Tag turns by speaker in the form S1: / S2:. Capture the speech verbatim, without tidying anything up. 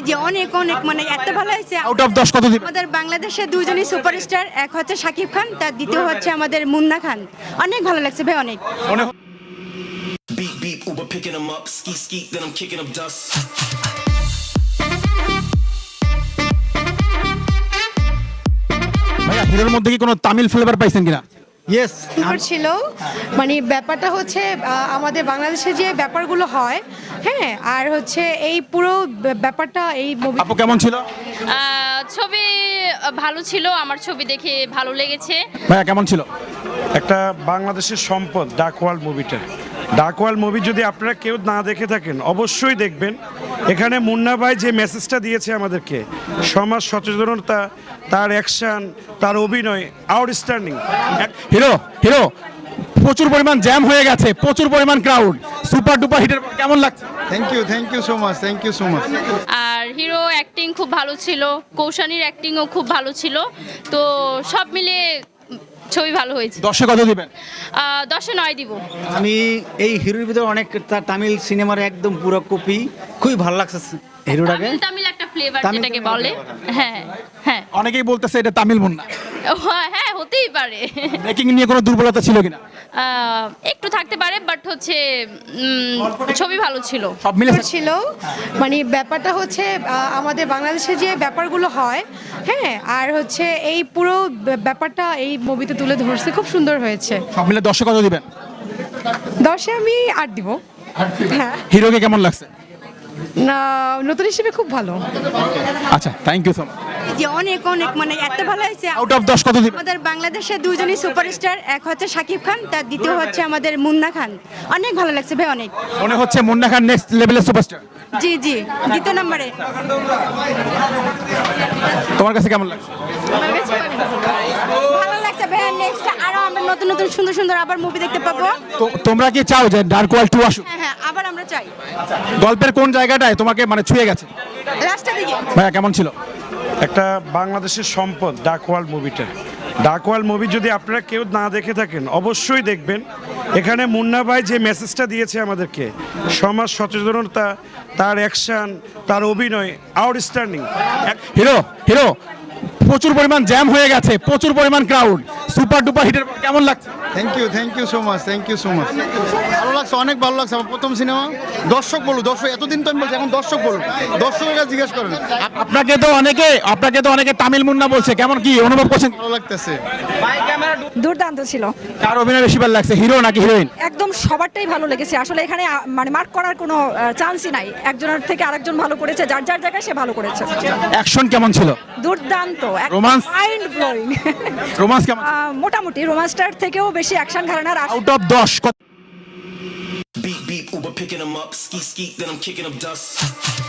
S1: জি অনেক অনেক মানে এত ভালো হয়েছে।
S2: আউট অফ দশ কত দিবেন?
S1: আমাদের বাংলাদেশের দুইজনই সুপারস্টার, এক হচ্ছে শাকিব খান, তার দ্বিতীয় হচ্ছে আমাদের মুন্না খান। অনেক ভালো লাগছে ভাই, অনেক।
S2: মনে
S3: Beep beep, Uber picking them up. Skeet skeet, then I'm kicking up dust.
S2: ভাইয়া হিরোর মধ্যে কি কোনো তামিল ফ্লেভার পাইছেন কিনা?
S4: ইয়েস
S5: সুন্দর ছিল। মানে ব্যাপারটা হচ্ছে আহ, আমাদের বাংলাদেশে যে ব্যাপারগুলো হয়, হ্যাঁ, আর হচ্ছে এই পুরো ব্য- ব্যাপারটা এই মুভি
S2: আপু কেমন ছিল?
S6: আহ, ছবি ভালো ছিল, আমার ছবি দেখে ভালো লেগেছে।
S2: ভাইয়া কেমন ছিল?
S7: একটা বাংলাদেশের সম্পদ ডাকওয়াল মুভিটা। ডাকওয়াল মুভি যদি আপনারা কেউ না দেখে থাকেন অবশ্যই দেখবেন। এখানে মুন্না ভাই যে মেসেজটা দিয়েছে আমাদেরকে, সমাজ সচেতনতা, তার অ্যাকশন, তার অভিনয় আউটস্ট্যান্ডিং।
S2: হিরো হিরো প্রচুর পরিমাণ জ্যাম হয়ে গেছে, প্রচুর পরিমাণ ক্রাউড, সুপার ডুপার হিটের পর কেমন লাগছে?
S4: Thank you thank you so much thank you so much
S6: আর হিরো অ্যাক্টিং খুব ভালো ছিল, কৌশানীর অ্যাক্টিংও খুব ভালো ছিল। তো সব মিলিয়ে ছবি ভালো হয়েছে।
S2: দশে কত দিবেন?
S6: আহ, দশে নয় দিব।
S4: আমি এই হিরোর ভিতরে অনেক তার তামিল সিনেমার একদম পুরো কপি, খুবই ভালো লাগছে হিরোটাকে।
S6: তামিল তামিল একটা ফ্লেভার
S4: তামিল
S6: যেটাকে
S4: তামিল
S6: বলে। হ্যাঁ হ্যাঁ
S2: অনেকেই বলতেছে এটা তামিল মুন্না।
S6: ও, হ্যাঁ হতেই পারে।
S2: মেকিং নিয়ে কোনো দুর্বলতা ছিল কিনা?
S6: আহ, একটু থাকতে পারে, বাট হচ্ছে উম, ছবি ভালো ছিল।
S2: সব মিলে
S5: ছিল। মানে ব্যাপারটা হচ্ছে আহ, আমাদের বাংলাদেশে যে ব্যাপারগুলো হয়, হ্যাঁ, আর হচ্ছে এই পুরো ব্য- ব্যাপারটা এই মুভিতে তুলে ধরছে, খুব সুন্দর হয়েছে।
S2: সব মিলে দশে কত দিবেন?
S5: দশে আমি আট দিব। হ্যাঁ,
S2: হিরোকে কেমন লাগছে?
S5: না, নতুন হিসেবে খুব ভালো।
S2: আচ্ছা, থ্যাংক ইউ সো মাচ।
S1: জি অনেক অনেক মানে এত ভালো হয়েছে।
S2: আউট অফ দশ কত দিবেন?
S1: আমাদের বাংলাদেশের দুইজনই সুপারস্টার, এক হচ্ছে শাকিব খান, তার দ্বিতীয় হচ্ছে আমাদের মুন্না খান। অনেক ভালো লাগছে ভাই, অনেক।
S2: মনে হচ্ছে মুন্না খান নেক্সট লেভেলের সুপারস্টার।
S1: জি জি দ্বিতীয় নম্বরে।
S2: তোমার কাছে কেমন লাগছে?
S1: ভালো লাগছে ভাই, নেক্সট আরো আমরা নতুন নতুন সুন্দর সুন্দর আবার মুভি দেখতে পাবো।
S2: তো তোমরা কি চাও যে ডার্ক ওয়ার্ল্ড টু আসুক?
S1: হ্যাঁ হ্যাঁ, আবার আমরা চাই।
S2: গল্পের কোন জায়গাটায় তোমাকে মানে ছুঁয়ে গেছে?
S1: লাস্টের দিকে।
S2: ভাইয়া কেমন ছিল?
S7: একটা বাংলাদেশের সম্পদ ডাকওয়াল মুভিটা। ডাকওয়াল মুভি যদি আপনারা কেউ না দেখে থাকেন অবশ্যই দেখবেন। এখানে মুন্না ভাই যে মেসেজটা দিয়েছে আমাদেরকে, সমাজ সচেতনতা, তার অ্যাকশন, তার অভিনয় আউটস্ট্যান্ডিং।
S2: হিরো হিরো প্রচুর পরিমাণ জ্যাম হয়ে গেছে, প্রচুর পরিমাণ ক্রাউড, সুপার ডুপার হিটের পর কেমন লাগছে?
S4: Thank you thank you so much thank you so much ভালো লাগছে, অনেক ভালো লাগছে। আমার প্রথম সিনেমা। দর্শক বলুন, দর্শক এতদিন তো আমি বলছি, এখন দর্শক বলুন, দর্শকের কাছে জিজ্ঞেস করেন।
S2: আপনাকে তো অনেকে আপনাকে তো অনেকে তামিল মুন্না বলছে, কেমন কি অনুভব করছেন?
S4: ভালো লাগতেছে।
S8: দুর্দান্ত ছিল।
S2: কার অভিনয় বেশি ভালো লাগছে, হিরো নাকি হিরোইন?
S8: একদম সবারটাই ভালো লেগেছে আসলে। এখানে আ, মানে মার্ক করার কোনো চান্সই নাই, একজনের থেকে আরেকজন ভালো করেছে, যার যার জায়গায় সে ভালো করেছে।
S2: অ্যাকশন কেমন ছিল?
S8: দুর্দান্ত,
S2: Romance?
S8: Mind blowing.
S2: রোমান্স কেমন?
S8: মোটামুটি রোমান্সটার থেকেও বেশি অ্যাকশন ঘরানার আশ-
S2: আউট অফ দশ কত?
S3: Beep beep, Uber picking them up. Skeet skeet, then I'm kicking up dust.